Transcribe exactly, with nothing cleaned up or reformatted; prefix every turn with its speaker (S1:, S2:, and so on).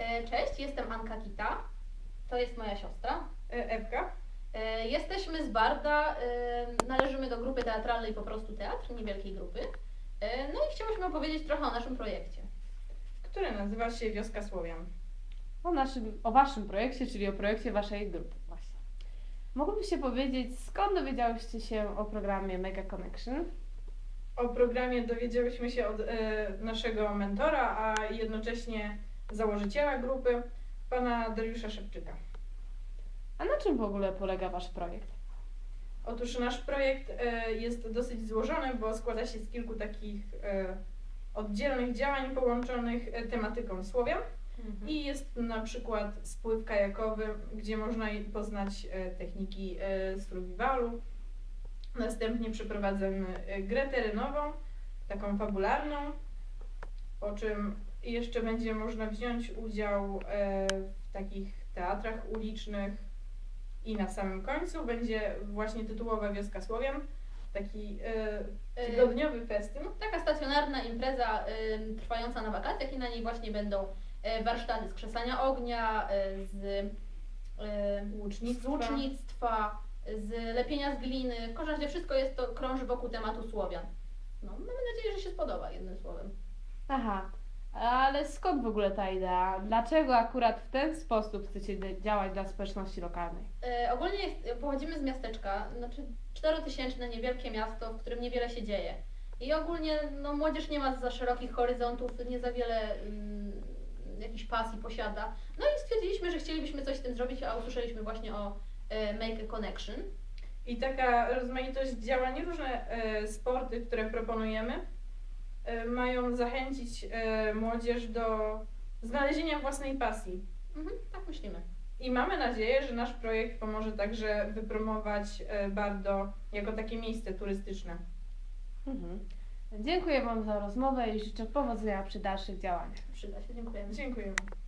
S1: E, Cześć, jestem Anka Kita. To jest moja siostra.
S2: E, Ewka.
S1: E, Jesteśmy z Barda, e, należymy do grupy teatralnej Po prostu Teatr, niewielkiej grupy. E, No i chciałyśmy opowiedzieć trochę o naszym projekcie.
S2: Który nazywa się Wioska Słowian.
S3: O naszym, o waszym projekcie, czyli o projekcie waszej grupy właśnie. Mogłybyście powiedzieć, skąd dowiedziałyście się o programie Mega Connection?
S2: O programie dowiedziałyśmy się od e, naszego mentora, a jednocześnie założyciela grupy, pana Dariusza Szepczyka.
S3: A na czym w ogóle polega wasz projekt?
S2: Otóż nasz projekt e, jest dosyć złożony, bo składa się z kilku takich e, oddzielnych działań połączonych e, tematyką Słowian. I jest na przykład spływ kajakowy, gdzie można poznać e, techniki e, survivalu. Następnie przeprowadzamy e, grę terenową, taką fabularną, po czym jeszcze będzie można wziąć udział e, w takich teatrach ulicznych i na samym końcu będzie właśnie tytułowa Wioska Słowian, taki e, tygodniowy festyn.
S1: Taka stacjonarna impreza y, trwająca na wakacjach i na niej właśnie będą y, warsztaty z krzesania ognia, y, z, y,
S2: Łucznictwa.
S1: z łucznictwa, z lepienia z gliny. W każdym razie wszystko jest to krąży wokół tematu Słowian. No, mamy nadzieję, że się spodoba, jednym słowem.
S3: Aha, ale skąd w ogóle ta idea? Dlaczego akurat w ten sposób chcecie de- działać dla społeczności lokalnej?
S1: E, ogólnie jest, pochodzimy z miasteczka, znaczy czterotysięczne niewielkie miasto, w którym niewiele się dzieje. I ogólnie no, młodzież nie ma za szerokich horyzontów, nie za wiele mm, jakichś pasji posiada. No i stwierdziliśmy, że chcielibyśmy coś z tym zrobić, a usłyszeliśmy właśnie o e, Make a Connection.
S2: I taka rozmaitość działań, różne e, sporty, które proponujemy, e, mają zachęcić e, młodzież do znalezienia własnej pasji.
S1: Mhm, tak myślimy.
S2: I mamy nadzieję, że nasz projekt pomoże także wypromować e, Bardo jako takie miejsce turystyczne.
S3: Mhm. Dziękuję wam za rozmowę i życzę powodzenia przy dalszych działaniach.
S1: Przyda się, dziękujemy.
S2: Dziękujemy.